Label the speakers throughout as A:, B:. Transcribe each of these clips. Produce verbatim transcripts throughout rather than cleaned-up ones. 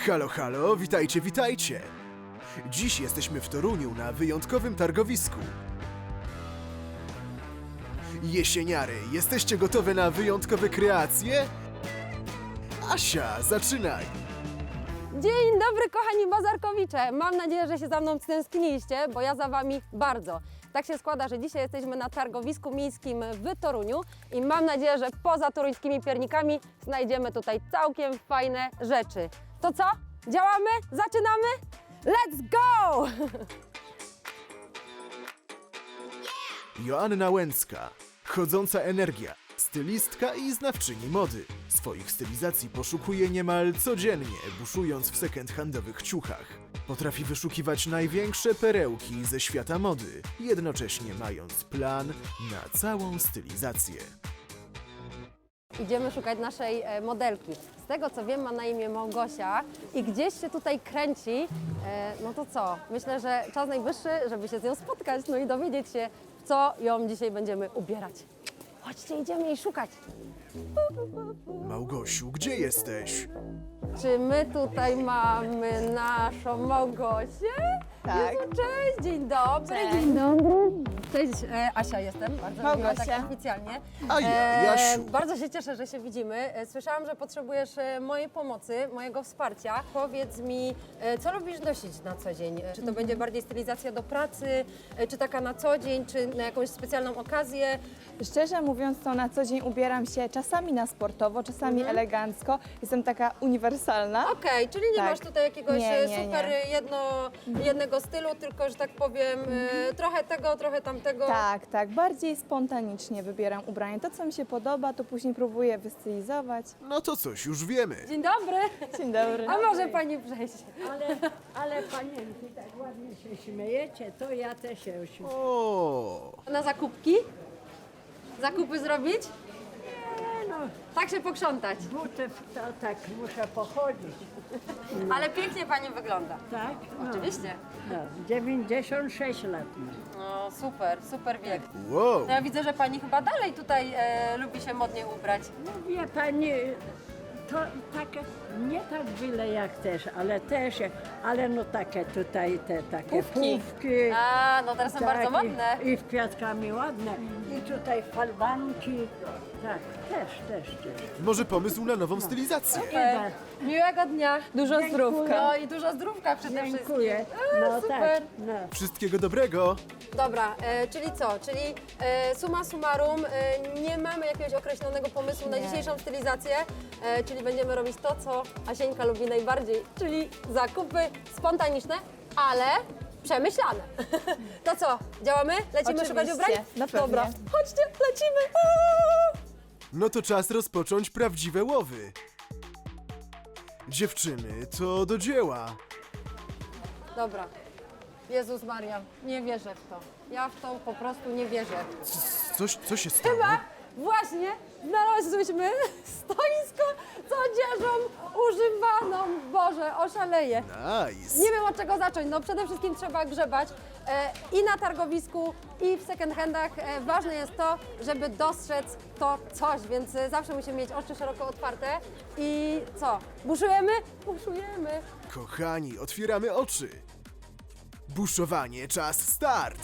A: Halo, halo, witajcie, witajcie! Dziś jesteśmy w Toruniu na wyjątkowym targowisku. Jesieniary, jesteście gotowe na wyjątkowe kreacje? Asia, zaczynaj!
B: Dzień dobry, kochani bazarkowicze! Mam nadzieję, że się za mną stęskniliście, bo ja za wami bardzo. Tak się składa, że dzisiaj jesteśmy na targowisku miejskim w Toruniu i mam nadzieję, że poza toruńskimi piernikami znajdziemy tutaj całkiem fajne rzeczy. To co? Działamy? Zaczynamy? Let's go!
A: Joanna Łęcka, chodząca energia, stylistka i znawczyni mody. Swoich stylizacji poszukuje niemal codziennie, buszując w second-handowych ciuchach. Potrafi wyszukiwać największe perełki ze świata mody, jednocześnie mając plan na całą stylizację.
B: Idziemy szukać naszej e, modelki. Z tego co wiem, ma na imię Małgosia i gdzieś się tutaj kręci. E, no to co? Myślę, że czas najwyższy, żeby się z nią spotkać, no i dowiedzieć się, w co ją dzisiaj będziemy ubierać. Chodźcie, idziemy jej szukać.
A: Małgosiu, gdzie jesteś?
B: Czy my tutaj mamy naszą Małgosię?
C: Tak.
B: Jezu, cześć, dzień dobry.
C: Cześć.
B: Dzień dobry. Cześć, e, Asia jestem, bardzo miła,
C: Małgosia.
B: tak oficjalnie.
A: A ja, Jasiu.
B: Bardzo się cieszę, że się widzimy. E, Słyszałam, że potrzebujesz e, mojej pomocy, mojego wsparcia. Powiedz mi, e, co lubisz nosić na co dzień? E, Czy to będzie bardziej stylizacja do pracy, e, czy taka na co dzień, czy na jakąś specjalną okazję?
C: Szczerze mówiąc, to na co dzień ubieram się czasami na sportowo, czasami elegancko. Jestem taka uniwersalna.
B: Okej, czyli nie
C: Tak.
B: masz tutaj jakiegoś
C: Nie,
B: e,
C: nie,
B: super
C: nie.
B: Jedno, jednego stylu, tylko, że tak powiem, e, trochę tego, trochę tamtego.
C: Tak, tak. Bardziej spontanicznie wybieram ubranie. To, co mi się podoba, to później próbuję wystylizować.
A: No to coś już wiemy.
B: Dzień dobry.
C: Dzień dobry.
B: A może pani przejść?
D: Ale, ale panienki, tak ładnie się śmiejecie, to ja też się śmieję.
A: O,
B: Na zakupki? Zakupy zrobić?
D: Nie no,
B: Tak się pokrzątać.
D: buty to tak muszę pochodzić,
B: Ale pięknie pani wygląda.
D: tak? No,
B: Oczywiście.
D: no, dziewięćdziesiąt sześć lat mam.
B: No super, super wiek.
A: wow.
B: No ja widzę, że pani chyba dalej tutaj e, lubi się modnie ubrać.
D: No wie pani, to takie, nie tak byle jak też, ale też, jak- ale no takie tutaj, te takie
B: Pufki.
D: pufki.
B: A, no teraz są
D: tak,
B: bardzo modne.
D: I, I w kwiatkami ładne. I tutaj falbanki. Tak, też, też, też.
A: Może pomysł na nową stylizację?
B: E, miłego dnia.
C: Dużo zdrówka.
B: No i dużo zdrówka przede wszystkim.
D: Dziękuję.
B: A,
D: No
B: super.
D: tak, no.
A: Wszystkiego dobrego.
B: Dobra, e, czyli co? Czyli e, summa summarum, e, nie mamy jakiegoś określonego pomysłu na
C: Nie.
B: dzisiejszą stylizację, e, czyli będziemy robić to, co Asieńka lubi najbardziej, czyli zakupy spontaniczne, ale przemyślane. To co, działamy? Lecimy
C: Oczywiście,
B: szukać ubrań?
C: no pewnie.
B: Dobra, chodźcie, lecimy! Aaa!
A: No to czas rozpocząć prawdziwe łowy. Dziewczyny, to do dzieła.
B: Dobra. Jezus Maria, nie wierzę w to. Ja w to po prostu nie wierzę.
A: C- Coś, co się stało?
B: Chyba właśnie znalazłyśmy stoisko z odzieżą używaną. Boże, oszaleję.
A: Nice.
B: Nie wiem od czego zacząć. No przede wszystkim trzeba grzebać e, i na targowisku, i w second handach. E, ważne jest to, żeby dostrzec to coś, więc e, zawsze musimy mieć oczy szeroko otwarte. I co? Buszujemy? Buszujemy.
A: Kochani, otwieramy oczy. Buszowanie, czas start.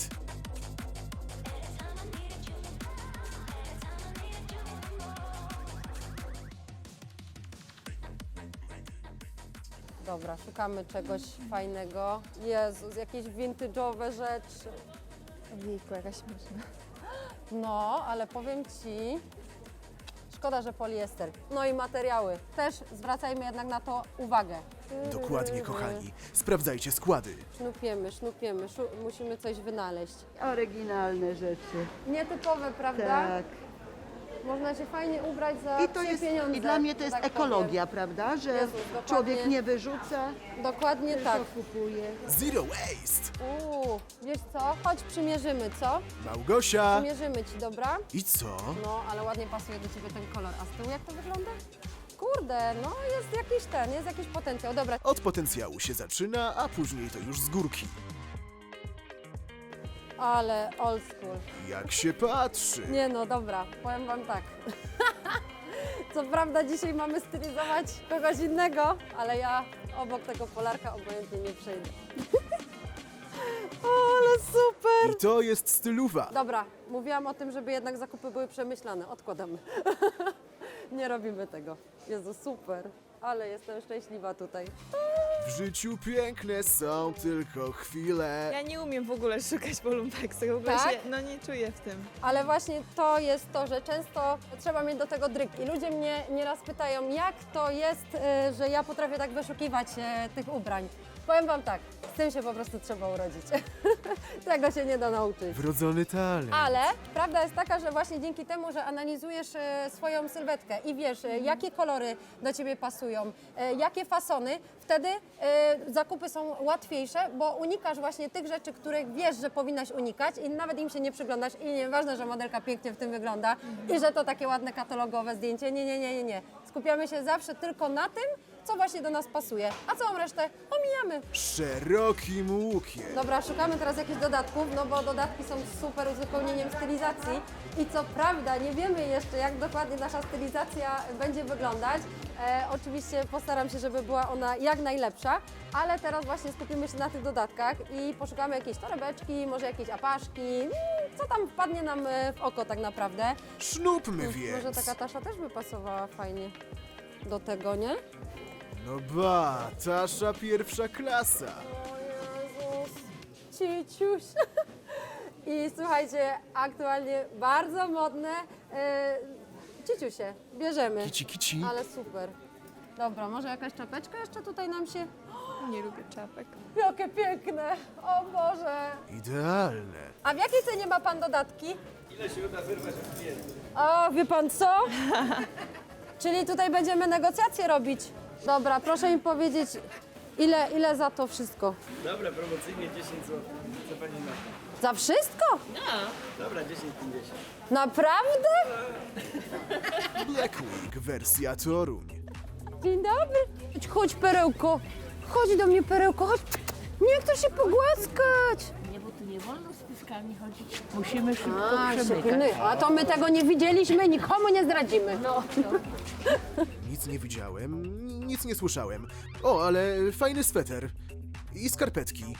B: Dobra, szukamy czegoś fajnego. Jezus, jakieś vintage'owe rzeczy.
C: Ojejku, jakaś śmieszna.
B: No, ale powiem Ci, szkoda, że poliester. No i materiały. Też zwracajmy jednak na to uwagę.
A: Dokładnie, kochani. Sprawdzajcie składy.
B: Sznupiemy, sznupiemy, szu musimy coś wynaleźć.
E: Oryginalne rzeczy.
B: Nietypowe, prawda?
E: Tak.
B: Można się fajnie ubrać za
E: I to
B: psie
E: jest,
B: pieniądze.
E: i dla mnie to jest
B: tak
E: ekologia, prawda? Że
B: Jezus, dokładnie.
E: człowiek nie wyrzuca,
B: powiem. Dokładnie tak.
E: tylko kupuje.
A: Zero waste.
B: Uuu, wiesz co? Chodź przymierzymy, co?
A: Małgosia.
B: Przymierzymy Ci, dobra?
A: I co?
B: No, ale ładnie pasuje do Ciebie ten kolor. A z tyłu jak to wygląda? Kurde, no jest jakiś ten, jest jakiś potencjał. Dobra,
A: Od potencjału się zaczyna, a później to już z górki.
B: ale old school.
A: Jak się patrzy.
B: Nie no, dobra, powiem Wam tak. Co prawda dzisiaj mamy stylizować kogoś innego, ale ja obok tego Polarka obojętnie nie przejdę. O, ale super!
A: I to jest styluwa.
B: Dobra, mówiłam o tym, żeby jednak zakupy były przemyślane. Odkładamy. Nie robimy tego. Jezu, super. Ale jestem szczęśliwa tutaj.
A: W życiu piękne są tylko chwile.
C: Ja nie umiem w ogóle szukać po lumpeksach, w ogóle
B: Tak?
C: się no, nie czuję w tym.
B: Ale właśnie to jest to, że często trzeba mieć do tego dryg. I ludzie mnie nieraz pytają, jak to jest, y, że ja potrafię tak wyszukiwać y, tych ubrań. Powiem Wam tak, z tym się po prostu trzeba urodzić. Tego się nie da nauczyć.
A: Wrodzony talent.
B: Ale prawda jest taka, że właśnie dzięki temu, że analizujesz e, swoją sylwetkę i wiesz, e, jakie kolory do Ciebie pasują, e, jakie fasony, wtedy e, zakupy są łatwiejsze, bo unikasz właśnie tych rzeczy, których wiesz, że powinnaś unikać i nawet im się nie przyglądasz i nieważne, że modelka pięknie w tym wygląda i że to takie ładne katalogowe zdjęcie. Nie, nie, nie, nie, nie. Skupiamy się zawsze tylko na tym, co właśnie do nas pasuje, a całą resztę omijamy.
A: Szerokim łukiem.
B: Dobra, szukamy teraz jakichś dodatków, no bo dodatki są super uzupełnieniem stylizacji i co prawda nie wiemy jeszcze, jak dokładnie nasza stylizacja będzie wyglądać. E, oczywiście postaram się, żeby była ona jak najlepsza, ale teraz właśnie skupimy się na tych dodatkach i poszukamy jakiejś torebeczki, może jakieś apaszki, mm, co tam wpadnie nam e, w oko tak naprawdę.
A: Sznupmy więc.
B: Może taka tasza też by pasowała fajnie do tego, nie?
A: No ba, Tasza pierwsza klasa.
B: O Jezus, ciciuś. I słuchajcie, aktualnie bardzo modne e, ciciusie, bierzemy.
A: Kici, kici.
B: Ale super. Dobra, może jakaś czapeczka jeszcze tutaj nam się...
C: Nie lubię czapek.
B: Jakie piękne, o Boże.
A: Idealne.
B: A w jakiej cenie ma Pan dodatki? Ile się uda wyrwać od klientów? O, wie Pan co? Czyli tutaj będziemy negocjacje robić. Dobra, proszę mi powiedzieć, ile, ile za to wszystko?
F: Dobra, promocyjnie dziesięć złotych. Co pani na to?
B: Za wszystko?
F: Dobra, dziesięć pięćdziesiąt.
B: Naprawdę?
A: Black Week wersja Toruń.
B: Dzień dobry. Chodź, chodź, perełko. Chodź do mnie, perełko, chodź. Nie chcę się pogłaskać.
D: Nie, bo tu nie wolno z pyskami chodzić. Musimy szybko
B: A,
D: przemykać.
B: szybny. A to my tego nie widzieliśmy, nikomu nie zdradzimy. No.
A: Nic nie widziałem, nic nie słyszałem. O, ale fajny sweter. I skarpetki.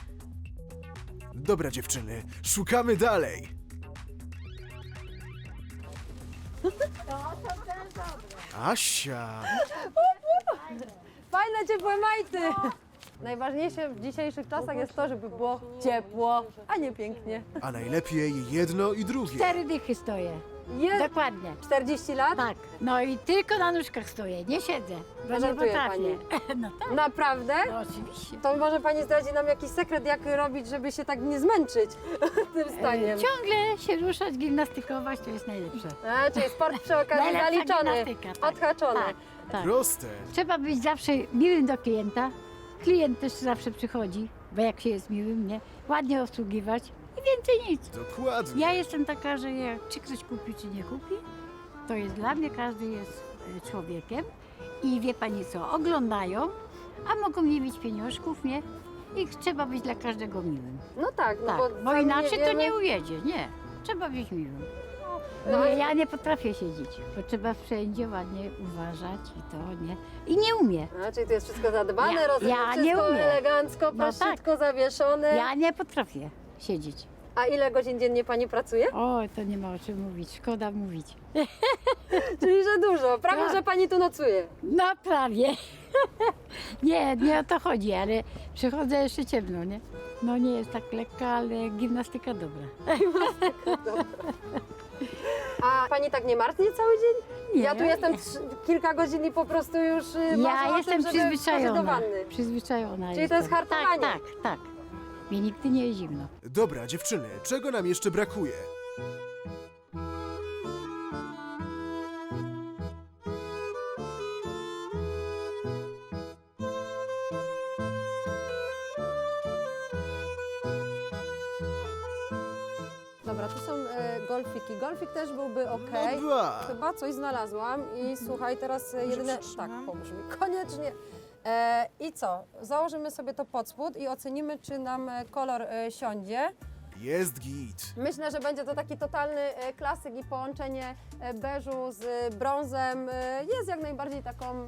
A: Dobra dziewczyny, szukamy dalej. Asia.
B: Fajne, ciepłe majty. Najważniejsze w dzisiejszych czasach jest to, żeby było ciepło, a nie pięknie.
A: A najlepiej jedno i drugie.
G: Cztery dychy stoję.
B: Jest
G: Dokładnie.
B: czterdzieści lat?
G: Tak. No i tylko na nóżkach stoję, nie siedzę. Bo nie
B: Żartuje
G: potrafię. No tak,
B: Naprawdę?
G: no oczywiście.
B: To może Pani zdradzi nam jakiś sekret, jak robić, żeby się tak nie zmęczyć tym staniem.
G: Ciągle się ruszać, gimnastykować to jest najlepsze.
B: A, czyli sport przy okazji
G: Najlepsza
B: zaliczony,
G: gimnastyka, tak.
B: odhaczony.
G: Tak, tak.
A: Proste.
G: Trzeba być zawsze miłym do klienta. Klient też zawsze przychodzi, bo jak się jest miłym, nie? Ładnie obsługiwać i więcej nic.
A: Dokładnie.
G: Ja jestem taka, że jak, czy ktoś kupi, czy nie kupi, to jest dla mnie, każdy jest e, człowiekiem i wie pani co, oglądają, a mogą nie mieć pieniążków, nie? I trzeba być dla każdego miłym.
B: No tak, no
G: Tak,
B: bo,
G: bo
B: sami
G: inaczej to
B: wiemy-
G: nie ujedzie, nie. Trzeba być miłym.
B: No,
G: No, ja nie potrafię siedzieć, bo trzeba wszędzie ładnie uważać i to, nie? I nie umiem.
B: A, czyli to jest wszystko zadbane,
G: Ja-
B: rozumiem,
G: ja nie
B: wszystko
G: umiem.
B: elegancko,
G: No
B: prościutko zawieszone.
G: Ja nie potrafię siedzieć.
B: A ile godzin dziennie Pani pracuje?
G: O, to nie ma o czym mówić, szkoda mówić.
B: Czyli, że dużo. Prawie,
G: Tak.
B: że Pani tu nocuje.
G: No prawie. Nie, nie o to chodzi, ale przychodzę jeszcze ciemno, nie? No nie jest tak lekka, ale gimnastyka dobra.
B: A Pani tak nie martnie cały dzień?
G: Nie.
B: Ja tu jestem trz- kilka godzin i po prostu już y, marzę
G: Ja
B: o
G: jestem
B: tym, żeby wskoczyć do
G: przyzwyczajona.
B: wanny.
G: Przyzwyczajona
B: Czyli to
G: jestem.
B: jest hartowanie.
G: Tak, tak, tak. Mi nigdy nie jest zimno.
A: Dobra dziewczyny, czego nam jeszcze brakuje?
B: Dobra, tu są e, golfiki. Golfik też byłby ok.
A: No ba.
B: Chyba coś znalazłam i słuchaj, teraz e, jedyne... Tak,
C: przytrzymam?
B: pomóż mi. Koniecznie. E, I co? Założymy sobie to pod spód i ocenimy, czy nam e, kolor e, siądzie.
A: Jest git.
B: Myślę, że będzie to taki totalny e, klasyk i połączenie e, beżu z e, brązem e, jest jak najbardziej taką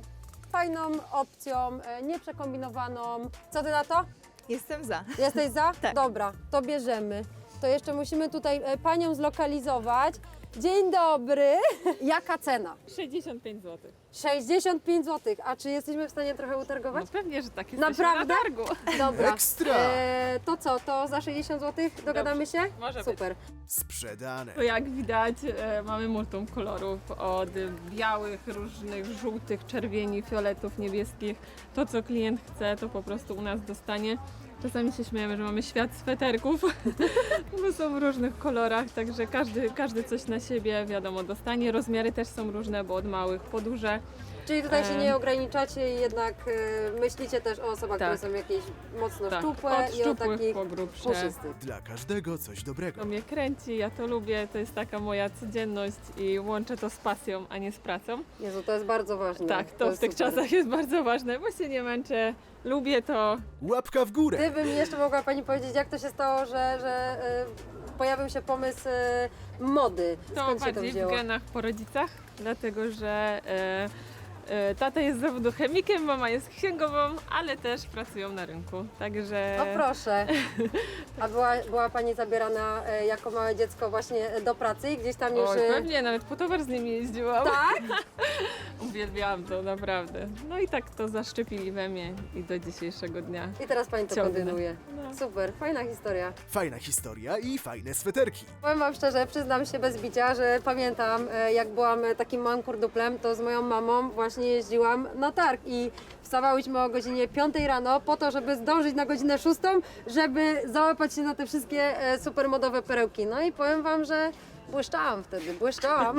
B: fajną opcją, e, nieprzekombinowaną. Co ty na to?
C: Jestem za.
B: Jesteś za?
C: Tak.
B: Dobra, to bierzemy. To jeszcze musimy tutaj e, panią zlokalizować. Dzień dobry. Jaka cena?
H: sześćdziesiąt pięć złotych.
B: sześćdziesiąt pięć złotych. A czy jesteśmy w stanie trochę
H: No
B: utargować?
H: pewnie, że tak. Jesteśmy
B: Naprawdę?
H: na targu.
B: Dobra.
A: Ekstra!
B: E, to co, to za sześćdziesiąt złotych dogadamy się?
H: Może być.
B: Super.
A: Sprzedane.
H: To jak widać, e, mamy multum kolorów od białych, różnych, żółtych, czerwieni, fioletów, niebieskich. To, co klient chce, to po prostu u nas dostanie. Czasami się śmiejemy, że mamy świat sweterków, bo są w różnych kolorach, także każdy, każdy coś na siebie, wiadomo, dostanie. Rozmiary też są różne, bo od małych po duże.
B: Czyli tutaj się
H: Em.
B: nie ograniczacie i jednak e, myślicie też o osobach,
H: Tak.
B: które są jakieś mocno
H: Tak,
B: szczupłe
H: od
B: i o
H: szczupłych
B: takich
H: po grubsze.
B: puszystych.
A: Dla każdego coś dobrego.
H: To mnie kręci, ja to lubię, to jest taka moja codzienność i łączę to z pasją, a nie z pracą.
B: Jezu, to jest bardzo ważne.
H: Tak, to, w
B: jest
H: tych
B: super.
H: czasach jest bardzo ważne, bo się nie męczę, lubię to.
A: Łapka w górę.
B: Gdyby mi jeszcze mogła Pani powiedzieć, jak to się stało, że, że e, pojawił się pomysł e, mody.
H: To
B: Skąd się to
H: bardziej w
B: wzięło?
H: genach po rodzicach, dlatego że e, e, tata jest z zawodu chemikiem, mama jest księgową, ale też pracują na rynku, także...
B: No proszę. A była, była Pani zabierana e, jako małe dziecko właśnie do pracy i gdzieś tam już...
H: Oj,
B: e,
H: pewnie, nawet po towar z nimi jeździłam.
B: Tak?
H: Uwielbiałam to, naprawdę. No i tak to zaszczepili we mnie i do dzisiejszego dnia.
B: I teraz Pani to
H: Ciągnę.
B: kontynuuje.
H: No.
B: Super, fajna historia.
A: Fajna historia i fajne sweterki.
B: Powiem Wam szczerze, przyznam się bez bicia, że pamiętam, e, jak byłam e, takim małym kurduplem, to z moją mamą właśnie jeździłam na targ i wstawałyśmy o godzinie piątej rano po to, żeby zdążyć na godzinę szóstą, żeby załapać się na te wszystkie e, supermodowe perełki. No i powiem Wam, że błyszczałam wtedy, błyszczałam.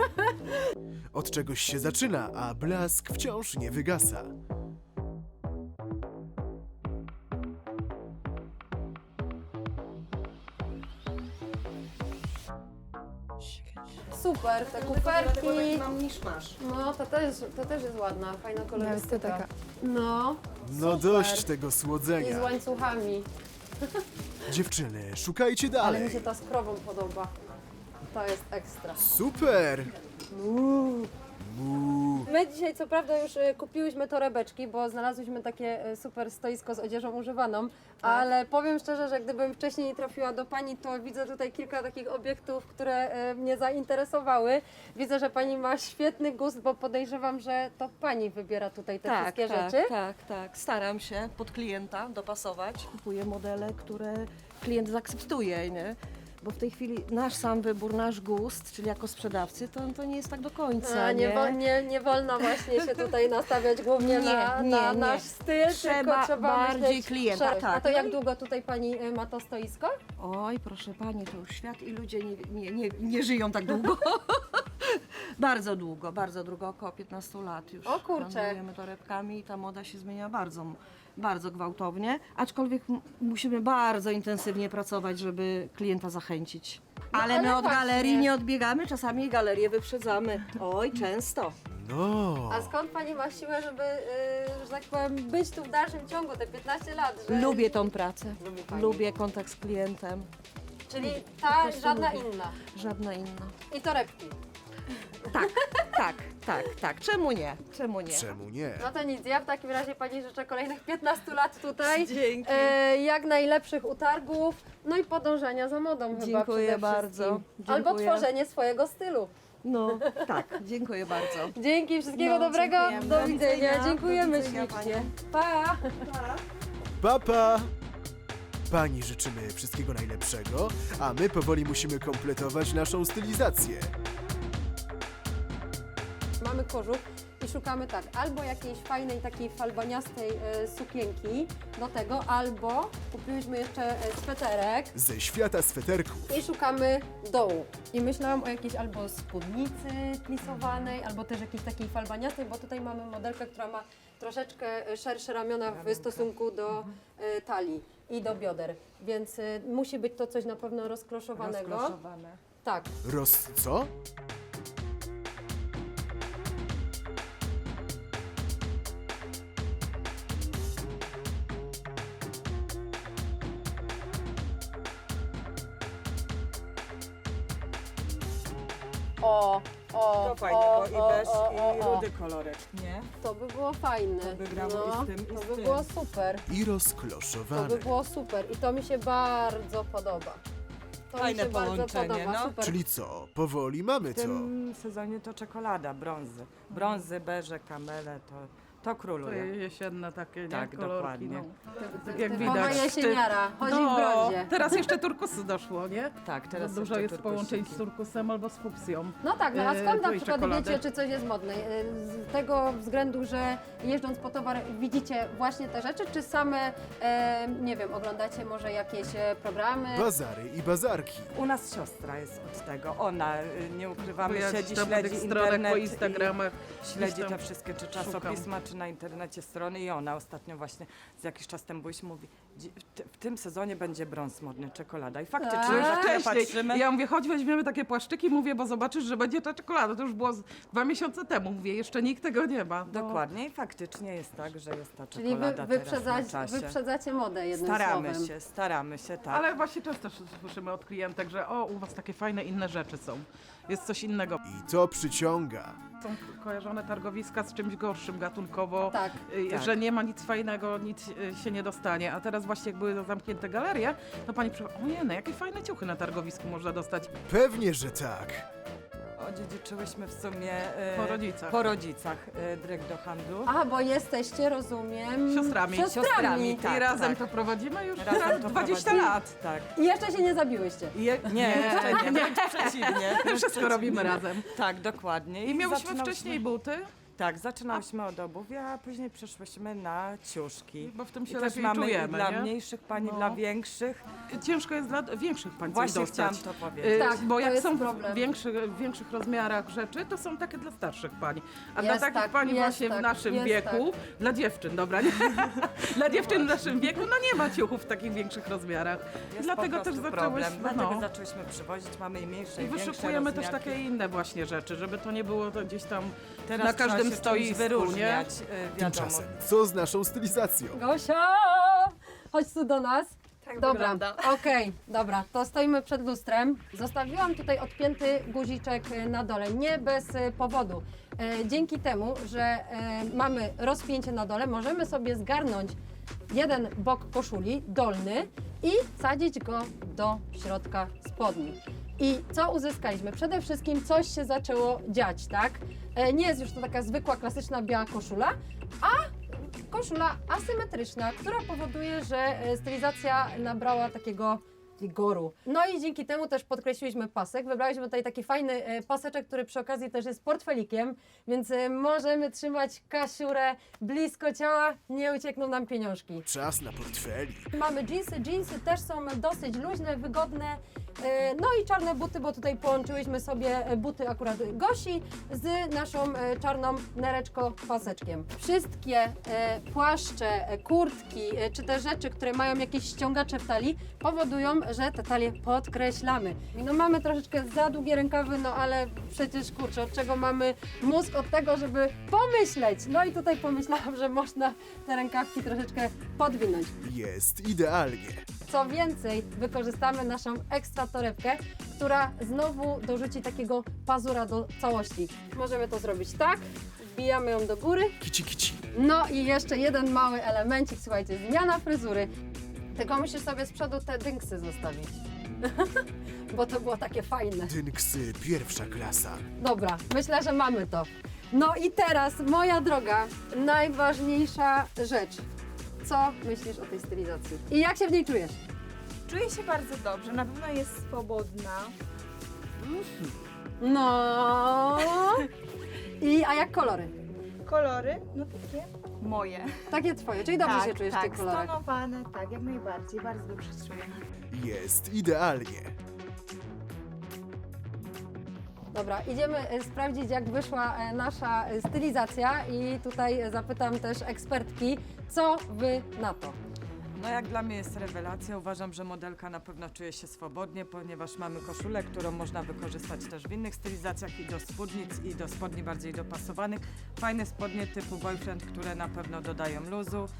A: Od czegoś się zaczyna, a blask wciąż nie wygasa.
B: Super, te kuferki.
E: Mam niż masz.
B: No, to też, to też jest ładna, fajna kolorystyka.
C: taka.
B: No,
A: No dość tego
B: i z
A: słodzenia.
B: łańcuchami.
A: Dziewczyny, szukajcie
B: Ale mi
A: dalej.
B: się ta z krową podoba. To jest ekstra.
A: Super! Mu.
B: My dzisiaj co prawda już e, kupiłyśmy torebeczki, bo znalazłyśmy takie e, super stoisko z odzieżą używaną, ale powiem szczerze, że gdybym wcześniej trafiła do Pani, to widzę tutaj kilka takich obiektów, które e, mnie zainteresowały. Widzę, że Pani ma świetny gust, bo podejrzewam, że to Pani wybiera tutaj te wszystkie
I: tak,
B: rzeczy.
I: Tak, tak. Staram się pod klienta dopasować. Kupuję modele, które klient zaakceptuje, nie? Bo w tej chwili nasz sam wybór, nasz gust, czyli jako sprzedawcy, to, to nie jest tak do końca,
B: A, nie,
I: nie?
B: wo, nie, nie wolno właśnie się tutaj nastawiać głównie
I: Nie,
B: na,
I: nie,
B: na
I: nie.
B: nasz styl,
I: Trzeba
B: tylko trzeba
I: bardziej
B: myśleć
I: klienta,
B: szerzej.
I: tak.
B: A to jak długo tutaj Pani e, ma to stoisko?
I: Oj, proszę Pani, to już świat i ludzie nie, nie, nie, nie żyją tak długo. Bardzo długo, bardzo długo, około piętnaście lat już.
B: O kurczę.
I: Handlujemy torebkami i ta moda się zmienia bardzo, bardzo gwałtownie, aczkolwiek m- musimy bardzo intensywnie pracować, żeby klienta zachęcić. Ale,
B: No, ale
I: my od
B: właśnie.
I: galerii nie odbiegamy, czasami galerię wyprzedzamy. Oj, często.
A: No.
B: A skąd Pani ma siłę, żeby, yy, że tak powiem, być tu w dalszym ciągu, te piętnaście lat? Że...
I: Lubię tą pracę,
B: Lubi pani.
I: lubię kontakt z klientem,
B: Czyli ta,
I: prostu
B: żadna
I: lubię.
B: inna.
I: żadna inna.
B: I torebki.
I: Tak, tak, tak, tak, czemu nie, czemu nie?
A: Czemu nie?
B: No to nic, ja w takim razie Pani życzę kolejnych piętnastu lat tutaj.
I: Dzięki.
B: E, jak najlepszych utargów, no i podążania za modą chyba
I: Dziękuję
B: przede
I: bardzo.
B: wszystkim. Albo
I: Dziękuję.
B: tworzenie swojego stylu.
I: No, tak, dziękuję bardzo.
B: Dzięki, wszystkiego
I: No,
B: dobrego,
I: dziękujemy.
B: do
I: Do
B: widzenia,
I: widzenia.
B: dziękujemy
I: Do widzenia,
B: ślicznie.
I: panie.
B: Pa!
A: Papa! Pani życzymy wszystkiego najlepszego, a my powoli musimy kompletować naszą stylizację.
B: Mamy kożuch i szukamy tak, albo jakiejś fajnej takiej falbaniastej e, sukienki do tego, albo kupiłyśmy jeszcze e, sweterek
A: Ze świata sweterków.
B: i szukamy dołu. I myślałam o jakiejś albo spódnicy plisowanej, albo też jakiejś takiej falbaniastej, bo tutaj mamy modelkę, która ma troszeczkę e, szersze ramiona w stosunku do e, talii i do bioder, więc e, musi być to coś na pewno rozkloszowanego.
I: Rozkloszowane.
B: Tak.
A: Roz... co?
B: O, O,
J: To fajne,
B: o,
J: bo i
B: o,
J: beż,
B: o, o,
J: i
B: o.
J: rudy kolorek, nie?
B: To by było fajne.
J: To by grało
B: no,
J: i z tym, i
B: To
J: z
B: by
J: tym.
B: było super.
A: I
B: To
A: rozkloszowane.
B: by było super i to mi się bardzo podoba. To
J: Fajne
B: mi się bardzo
J: połączenie,
B: podoba,
J: no.
B: super.
A: Czyli co, powoli mamy
J: W
A: to.
J: tym sezonie to czekolada, brązy. Brązy, beże, kamele, to, to
K: To
J: króluje.
K: jesienne takie, nie?
J: Tak,
K: Kolorki,
J: dokładnie.
K: no. Tak jak
B: Typowa
K: widać.
B: jesieniara, chodzi w
K: No,
B: brązie.
K: teraz jeszcze turkusy doszło, nie?
J: Tak, teraz
K: Za dużo
J: jeszcze
K: jest połączeń z
J: turkusiki.
K: turkusem albo z fuksją.
B: No tak, no a
K: e,
B: skąd na
K: tej
B: przykład
K: czekolady.
B: wiecie, czy coś jest modne? E, Z tego względu, że jeżdżąc po towar widzicie właśnie te rzeczy, czy same, e, nie wiem, oglądacie może jakieś e, programy?
A: Bazary i bazarki.
J: U nas siostra jest od tego. Ona, y, nie ukrywamy,
K: Ja
J: siedzi,
K: tam po
J: śledzi
K: tych stronach,
J: internet
K: po
J: i
K: Instagramach.
J: śledzi
K: gdzieś tam
J: te wszystkie, czy
K: szukam.
J: czasopisma, czy na internecie strony i ona ostatnio właśnie z jakiś czas temu byliśmy, mówi, "Dzi- w, ty- w tym sezonie będzie brąz modny, czekolada. I faktycznie,
B: Tak?
J: już jak
K: Wcześniej.
J: patrzymy,
K: Ja mówię, chodź weźmiemy takie płaszczyki, mówię, bo zobaczysz, że będzie ta czekolada. To już było z dwa miesiące temu, mówię, jeszcze nikt tego nie ma. No.
J: dokładnie i faktycznie jest tak, że jest ta
B: Czyli wy,
J: czekolada teraz na
B: wyprzedzać,
J: czasie.
B: wyprzedzacie modę jednym
J: Staramy
B: słowem.
J: się, staramy się, tak.
K: Ale właśnie często słyszymy od klientek, że o, u was takie fajne inne rzeczy są. Jest coś innego.
A: I to przyciąga.
K: Są kojarzone targowiska z czymś gorszym gatunkowo,
B: Tak.
K: y,
J: Tak.
K: że nie ma nic fajnego, nic y, się nie dostanie. A teraz właśnie jak były zamknięte galerie, to pani przyszła, o nie, no jakie fajne ciuchy na targowisku można dostać
A: Pewnie, że tak.
J: Odziedziczyłyśmy w sumie e,
K: po rodzicach.
J: po rodzicach e, dryg do handlu.
B: A, bo jesteście, rozumiem...
K: Siostrami.
B: Siostrami.
J: Siostrami, tak.
K: I razem to prowadzimy już
J: Razem to
K: dwadzieścia
J: prowadzimy.
K: lat.
J: Tak.
B: I jeszcze się nie zabiłyście.
J: I Je, nie, jeszcze nie, wręcz przeciwnie. wręcz
K: Wszystko
J: przeciwnie.
K: robimy razem.
J: Tak, dokładnie.
K: I miałyśmy
J: zaczynałyśmy-
K: wcześniej buty,
J: Tak, zaczynałyśmy od obuwia, a później przeszłyśmy na ciuszki.
K: bo w tym
J: I
K: się
J: też
K: lepiej
J: mamy i
K: czujemy,
J: dla
K: nie?
J: mniejszych pań,
K: No.
J: i dla większych.
K: Ciężko jest dla większych pań coś
J: Właśnie
K: dostać.
J: chciałam to
K: Y,
J: powiedzieć.
B: Tak,
K: bo
B: to
K: jak
B: jest
K: są
B: problem.
K: w większych, w większych rozmiarach rzeczy, to są takie dla starszych pań. A dla
B: Jest
K: takich
B: tak,
K: pań
B: jest
K: właśnie
B: tak,
K: w naszym
B: jest
K: wieku, dla dziewczyn, dobra, nie? dla dziewczyn w naszym wieku, no nie ma ciuchów w takich większych rozmiarach.
J: Jest
K: Dlatego
J: po
K: też
J: prostu
K: zaczęłyśmy,
J: problem. Dlatego
K: no.
J: zaczęłyśmy przywozić, mamy i mniejsze,
K: I
J: i większe
K: wyszukujemy też
J: rozmiarki.
K: takie inne właśnie rzeczy, żeby to nie było to gdzieś tam
J: Teraz
K: na
J: trzeba
K: każdym
J: się czymś
K: stoisku,
J: wyróżniać,
K: nie?
J: y, wiadomo.
A: Tymczasem, co z naszą stylizacją?
B: Gosia! Chodź tu do nas.
C: Tak
B: Dobra,
C: wygląda.
B: okej, dobra, to stoimy przed lustrem. Zostawiłam tutaj odpięty guziczek e, na dole, nie bez e, powodu. E, dzięki temu, że e, mamy rozpięcie na dole, możemy sobie zgarnąć jeden bok koszuli, dolny, i wsadzić go do środka spodni. I co uzyskaliśmy? Przede wszystkim coś się zaczęło dziać, tak? E, nie jest już to taka zwykła, klasyczna biała koszula, a koszula asymetryczna, która powoduje, że e, stylizacja nabrała takiego wigoru. No i dzięki temu też podkreśliliśmy pasek. Wybraliśmy tutaj taki fajny e, paseczek, który przy okazji też jest portfelikiem, więc e, możemy trzymać Kasiurę blisko ciała, nie uciekną nam pieniążki.
A: Czas na portfeli.
B: Mamy dżinsy, dżinsy też są dosyć luźne, wygodne. E, No i czarne buty, bo tutaj połączyłyśmy sobie e, buty akurat Gosi z naszą e, czarną nereczko paseczkiem. Wszystkie e, płaszcze, e, kurtki, e, czy te rzeczy, które mają jakieś ściągacze w talii, powodują, że te talie podkreślamy. No mamy troszeczkę za długie rękawy, no ale przecież kurczę, od czego mamy mózg? Od tego, żeby pomyśleć. No i tutaj pomyślałam, że można te rękawki troszeczkę podwinąć.
A: Jest idealnie.
B: Co więcej, wykorzystamy naszą ekstra torebkę, która znowu dorzuci takiego pazura do całości. Możemy to zrobić tak, wbijamy ją do góry.
A: Kici, kici.
B: No i jeszcze jeden mały elemencik, słuchajcie, zmiana fryzury. Tylko musisz sobie z przodu te dynksy zostawić, bo to było takie fajne.
A: Dynksy pierwsza klasa.
B: Dobra, myślę, że mamy to. No i teraz, moja droga, najważniejsza rzecz. Co myślisz o tej stylizacji? I jak się w niej czujesz?
C: Czuję się bardzo dobrze, na pewno jest swobodna.
B: No. I a jak kolory?
C: Kolory, no takie moje.
B: Takie twoje, czyli dobrze
C: tak,
B: się czujesz
C: tak,
B: w tych kolorach.
C: stonowane, tak, jak najbardziej, bardzo dobrze się czuję.
A: Jest idealnie.
B: Dobra, idziemy e, sprawdzić, jak wyszła e, nasza e, stylizacja i tutaj e, zapytam też ekspertki, co wy na to?
J: No jak dla mnie jest rewelacja. Uważam, że modelka na pewno czuje się swobodnie, ponieważ mamy koszulę, którą można wykorzystać też w innych stylizacjach i do spódnic, i do spodni bardziej dopasowanych. Fajne spodnie typu boyfriend, które na pewno dodają luzu.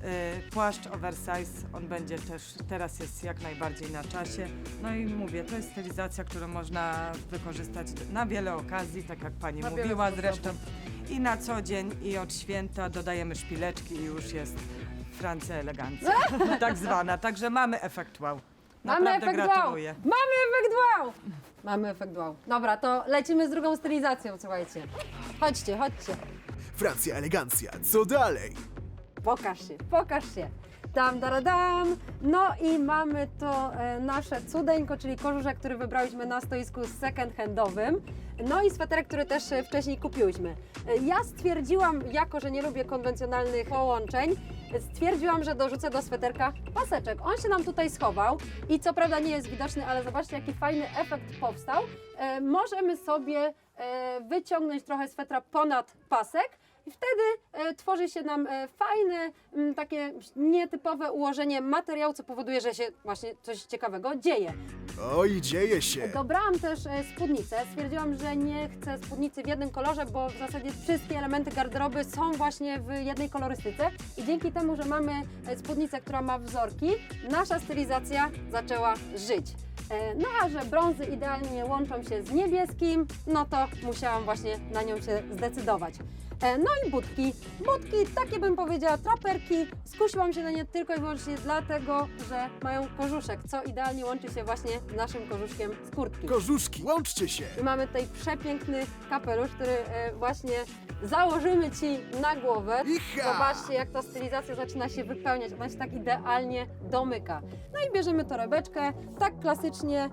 J: Y, Płaszcz oversize, on będzie też, teraz jest jak najbardziej na czasie. No i mówię, to jest stylizacja, którą można wykorzystać na wiele okazji, tak jak pani
B: Na wiele
J: mówiła
B: sposobów.
J: zresztą. I na co dzień, i od święta dodajemy szpileczki i już jest Francja elegancja, tak zwana. Także mamy efekt wow.
B: Mamy
J: Naprawdę
B: efekt
J: gratuluję.
B: wow! Mamy efekt wow! Mamy efekt wow. Dobra, to lecimy z drugą stylizacją, słuchajcie. Chodźcie, chodźcie.
A: Francja elegancja, co dalej?
B: Pokaż się, pokaż się. Dam, dam, dam. No i mamy to e, nasze cudeńko, czyli kożuszek, który wybrałyśmy na stoisku second handowym. No i sweterek, który też e, wcześniej kupiłyśmy. E, ja stwierdziłam, jako że nie lubię konwencjonalnych połączeń, e, stwierdziłam, że dorzucę do sweterka paseczek. On się nam tutaj schował i co prawda nie jest widoczny, ale zobaczcie, jaki fajny efekt powstał. E, możemy sobie e, wyciągnąć trochę swetra ponad pasek. I wtedy e, tworzy się nam e, fajne, m, takie nietypowe ułożenie materiału, co powoduje, że się właśnie coś ciekawego dzieje.
A: Oj, dzieje się.
B: Dobrałam też e, spódnicę. Stwierdziłam, że nie chcę spódnicy w jednym kolorze, bo w zasadzie wszystkie elementy garderoby są właśnie w jednej kolorystyce. I dzięki temu, że mamy e, spódnicę, która ma wzorki, nasza stylizacja zaczęła żyć. E, No a że brązy idealnie łączą się z niebieskim, no to musiałam właśnie na nią się zdecydować. E, No i budki. Budki, takie bym powiedziała, traperki. Skusiłam się na nie tylko i wyłącznie dlatego, że mają kożuszek, co idealnie łączy się właśnie z naszym kożuszkiem z kurtki.
A: Kożuszki, łączcie się.
B: I mamy tutaj przepiękny kapelusz, który e, właśnie założymy Ci na głowę.
A: Icha!
B: Zobaczcie, jak ta stylizacja zaczyna się wypełniać. Ona się tak idealnie domyka. No i bierzemy torebeczkę, tak klasycznie.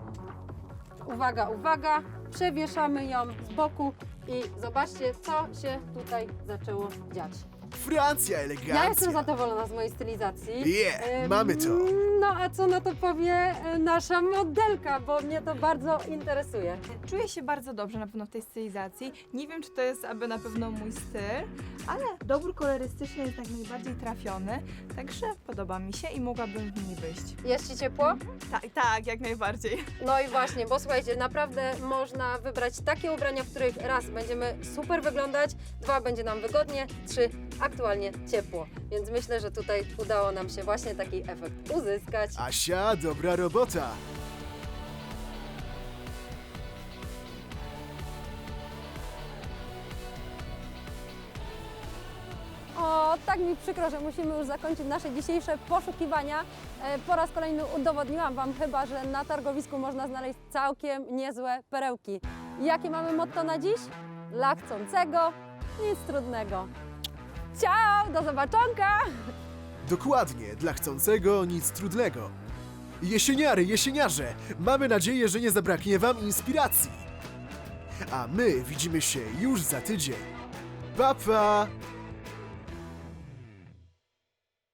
B: Uwaga, uwaga. Przewieszamy ją z boku i zobaczcie, co się tutaj zaczęło dziać.
A: Francja elegancja.
B: Ja jestem zadowolona z mojej stylizacji.
A: Yeah,
B: Ym,
A: mamy to.
B: No a co na to powie e, nasza modelka, bo mnie to bardzo interesuje.
C: Czuję się bardzo dobrze na pewno w tej stylizacji. Nie wiem, czy to jest aby na pewno mój styl, ale dobór kolorystyczny jest jak najbardziej trafiony, także podoba mi się i mogłabym w niej wyjść.
B: Jest Ci ciepło?
C: Tak, tak, jak najbardziej.
B: No i właśnie, bo słuchajcie, naprawdę można wybrać takie ubrania, w których raz będziemy super wyglądać, dwa będzie nam wygodnie, trzy aktualnie ciepło. Więc myślę, że tutaj udało nam się właśnie taki efekt uzyskać.
A: Asia, dobra robota.
B: O, tak mi przykro, że musimy już zakończyć nasze dzisiejsze poszukiwania. E, Po raz kolejny udowodniłam Wam chyba, że na targowisku można znaleźć całkiem niezłe perełki. Jakie mamy motto na dziś? Dla chcącego nic trudnego. Ciao, do zobaczonka!
A: Dokładnie, dla chcącego nic trudnego. Jesieniary, jesieniarze, mamy nadzieję, że nie zabraknie Wam inspiracji. A my widzimy się już za tydzień. Pa, pa!